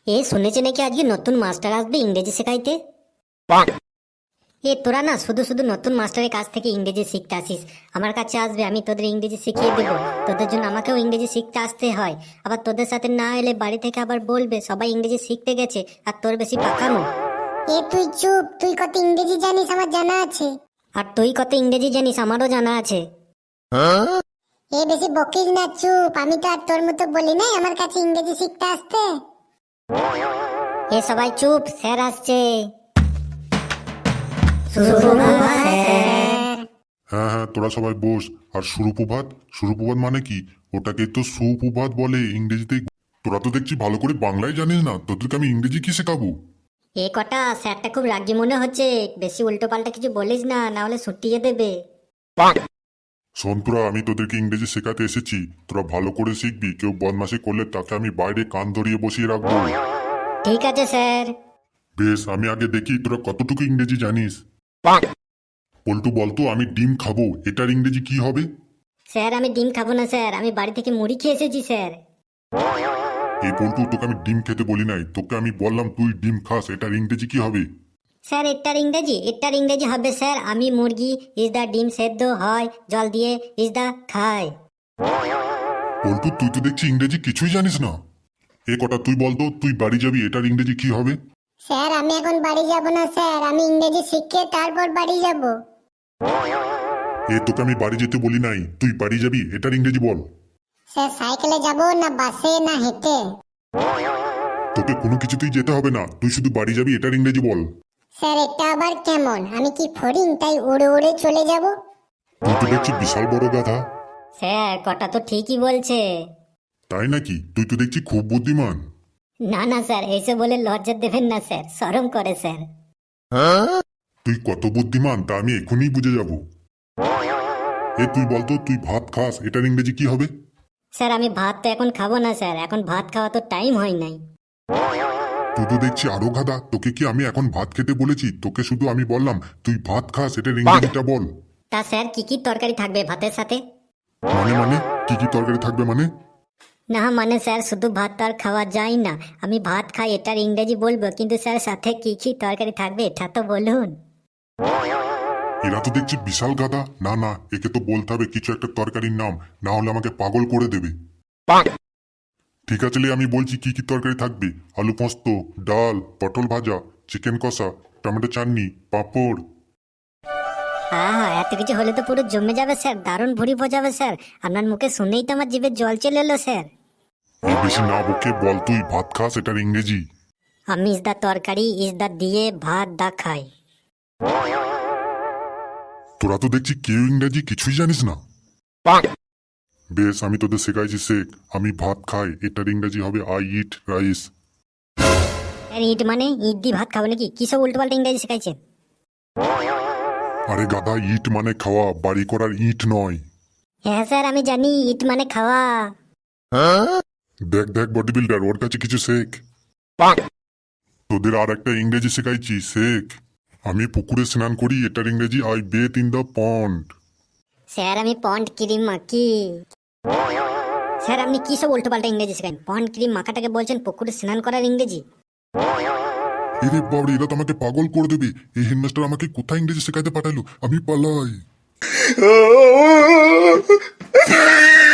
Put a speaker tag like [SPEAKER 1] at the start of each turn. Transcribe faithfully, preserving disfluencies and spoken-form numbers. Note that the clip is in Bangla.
[SPEAKER 1] এ শুনেছি নাকি আজকে নতুন মাস্টার আসবে ইংরেজি শেখাইতে। এ তোরা না শুধু শুধু নতুন মাস্টারের কাছ থেকে ইংরেজি শিখতে আসিস, আমার কাছে আসবে, আমি তোদের ইংরেজি শিখিয়ে দেবো। তোদের জন্য আমাকেও ইংরেজি শিখতে আসতে হয়, আবার তোদের সাথে না এলে বাড়ি থেকে আবার বলবে সবাই ইংরেজি শিখতে গেছে আর তোর বেশি পাকানো।
[SPEAKER 2] এ তুই চুপ, তুই কত ইংরেজি জানিস আমার জানা আছে।
[SPEAKER 1] আর তুই কত ইংরেজি জানিস আমারও জানা আছে।
[SPEAKER 2] এ বেশি বকিস না, চুপ। আমি তো আর তোর মতো বলি নাই আমার কাছে ইংরেজি শিখতে আসতে।
[SPEAKER 1] এ সবাই চুপ, স্যার আসছে।
[SPEAKER 3] হ্যাঁ হ্যাঁ, তোরা সবাই বস। আর সুরুপ্রভাত, সুরুপ্রভাত মানে কি? ওটাকে তো সুপ্রভাত বলে ইংরেজিতে। তোরা তো দেখছি ভালো করে বাংলায় জানিস না, তোদেরকে আমি ইংরেজি কি শেখাবো?
[SPEAKER 1] এ কটা, স্যারটা খুব রাগি মনে হচ্ছে, বেশি উল্টো পাল্টা কিছু বলিস না, না হলে ছুটিয়ে দেবে।
[SPEAKER 3] শোন তোরা, আমি তোদেরকে ইংরেজি শেখাতে এসেছি, তোরা ভালো করে শিখবি। কেউ বদমাশি করলে তাকে আমি বাইরে কান ধরিয়ে বসিয়ে রাখবো।
[SPEAKER 1] ঠিক আছে স্যার।
[SPEAKER 3] বেশ, আমি আগে দেখি তোরা কতটুকু ইংরেজি জানিস। পল্টু বলতো, আমি ডিম খাবো, এটার ইংরেজি কি হবে?
[SPEAKER 1] স্যার আমি ডিম খাবো না স্যার, আমি বাড়ি থেকে মুড়ি খেয়ে এসেছি স্যার।
[SPEAKER 3] এই পল্টু, তোকে আমি ডিম খেতে বলি নাই, তোকে আমি বললাম তুই ডিম খাস, এটার ইংরেজি কি হবে?
[SPEAKER 1] স্যার এটার ইংরেজি, এটার ইংরেজি হবে স্যার, আমি মুরগি ইজ দা ডিম সেদ্ধ হয় জল দিয়ে ইজ দা খায়।
[SPEAKER 3] পল্টু, তুই তো দেখছি ইংরেজি কিছুই জানিস না। এ কটা তুই বলতো, তুই বাড়ি যাবি, এটার ইংরেজি কি হবে?
[SPEAKER 2] স্যার আমি এখন বাড়ি যাব না স্যার, আমি ইংরেজি শিখে তারপর বাড়ি যাব।
[SPEAKER 3] এ তোকে আমি বাড়ি যেতে বলি নাই, তুই বাড়ি যাবি, এটার ইংরেজি বল।
[SPEAKER 2] স্যার সাইকেলে যাব না বাসে না হেঁটে?
[SPEAKER 3] তোকে কোনো কিছুতেই যেতে হবে না, তুই শুধু বাড়ি যাবি, এটার ইংরেজি বল।
[SPEAKER 2] স্যার এটা আবার কেমন? আমি কি ফড়িং তাই উড়ে উড়ে চলে যাব?
[SPEAKER 3] তুই তো দেখছি বিশাল বড় গাধা।
[SPEAKER 1] স্যার কটা তো ঠিকই বলছে।
[SPEAKER 3] তাই নাকি? তুই তো দেখছি খুব বুদ্ধিমান।
[SPEAKER 1] না না স্যার, এইসব বলে লজ্জা দেবেন না স্যার, শরম করে স্যার।
[SPEAKER 3] তুই কত বুদ্ধিমান তা আমি এখনই বুঝে যাব। এ তুই বলতো, তুই ভাত খাস, এটার ইংরেজি কি হবে?
[SPEAKER 1] স্যার আমি ভাত তো এখন খাবো না স্যার, এখন ভাত খাওয়া তো টাইম হয় নাই।
[SPEAKER 3] তুই তো দেখছি আরো গাধা, তোকে কি আমি এখন ভাত খেতে বলেছি? তোকে শুধু আমি বললাম তুই ভাত খাস, এটার ইংরেজিটা বল।
[SPEAKER 1] তা স্যার কি কি তরকারি থাকবে ভাতের সাথে?
[SPEAKER 3] মানে মানে কি কি তরকারি থাকবে মানে?
[SPEAKER 1] না মানে স্যার শুধু ভাত তো আর খাওয়া যায় না, আমি ভাত খাই এটার ইংরেজি বলবো, কিন্তু স্যার সাথে কি কি তরকারি থাকবে এটা তো বলুন।
[SPEAKER 3] এরা তো দেখছি বিশাল গাধা। না না, একে তো বলতে হবে কিছু একটা তরকারির নাম, না হলে আমাকে পাগল করে দেবে। ঠিক আছে লে, আমি বলছি কি কি তরকারি থাকবে। আলু পোস্ত, ডাল, পটল ভাজা, চিকেন কষা, টমেটো চাটনি, পাঁপড়।
[SPEAKER 1] হ্যাঁ এত কিছু হলে তো পুরো জমে যাবে স্যার, দারুণ ভুড়ি বোঝাবে স্যার, আপনার মুখে শুনেই তো আমার জিভে জল চলে এলো স্যার।
[SPEAKER 3] এই বেশি না বকে বল, তুই ভাত খাস, এটার ইংরেজি।
[SPEAKER 1] আমি ইস দা তরকারি ইস দা দিয়ে ভাত দা খাই।
[SPEAKER 3] তোরা তো দেখছি কেউ ইংরেজি কিছুই জানিস না। বেশ, আমি তোদের শেখাইছি শেখ। আমি ভাত খাই, এটার ইংরেজি হবে I eat rice.
[SPEAKER 1] Sir eat মানে ইট দিয়ে ভাত খাবো নাকি? কি সব উল্টো পাল্টা ইংরেজি শেখাইছেন?
[SPEAKER 3] আরে গাধা, ইট মানে খাওয়া, বাড়ি করার ইট নয়।
[SPEAKER 1] হ্যাঁ স্যার আমি জানি, ইট মানে খাওয়া।
[SPEAKER 3] দেখ দেখ বডি বিল্ডার, ওর কাছে কিছু শেখ। তোদের আর একটা ইংরেজি শেখাইছি, শেখ। আমি পুকুরে স্নান করি, এটার ইংরেজি I bathe in the pond.
[SPEAKER 1] Sir আমি পন্ড ক্রিম মাখি। স্যার আপনি কি সব উল্টো পাল্টা ইংরেজি শেখান? পন্ড ক্রিম মাখাটাকে বলছেন পুকুরে স্নান করার ইংরেজি?
[SPEAKER 3] এরে বাবরে, এরা তো আমাকে পাগল করে দেবে। এই হেডমাস্টার আমাকে কোথায় ইংরেজি শেখাতে পাঠালো, আমি পালাই।